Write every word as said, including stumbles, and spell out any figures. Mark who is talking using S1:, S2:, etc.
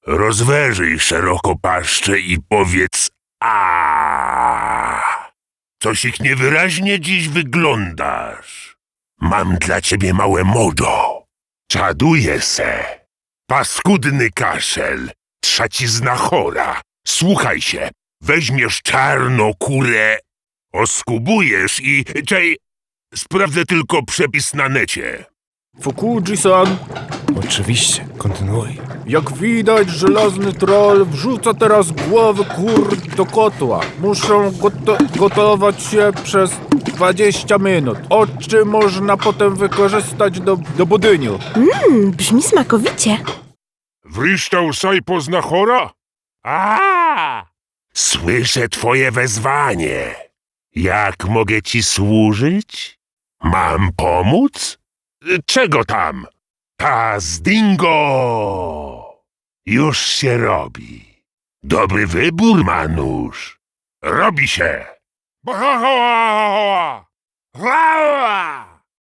S1: Rozwerzyj szeroko paszczę i powiedz a. Coś ich niewyraźnie dziś wyglądasz. Mam dla ciebie małe modo. Czaduję se. Paskudny kaszel. Trzacizna chora. Słuchaj się. Weźmiesz czarną kurę, oskubujesz i... Czej, sprawdzę tylko przepis na necie.
S2: Fukuji-san,
S3: Oczywiście, kontynuuj.
S2: jak widać, żelazny troll wrzuca teraz głowy kur do kotła. Muszą goto gotować się przez dwadzieścia minut. Oczy można potem wykorzystać do, do budyniu.
S4: Mmm, brzmi smakowicie.
S1: Wryształ saj pozna chora? A! Słyszę twoje wezwanie. Jak mogę ci służyć? Mam pomóc? Czego tam? Paz dingo! Już się robi. Dobry wybór, Manusz. Robi się.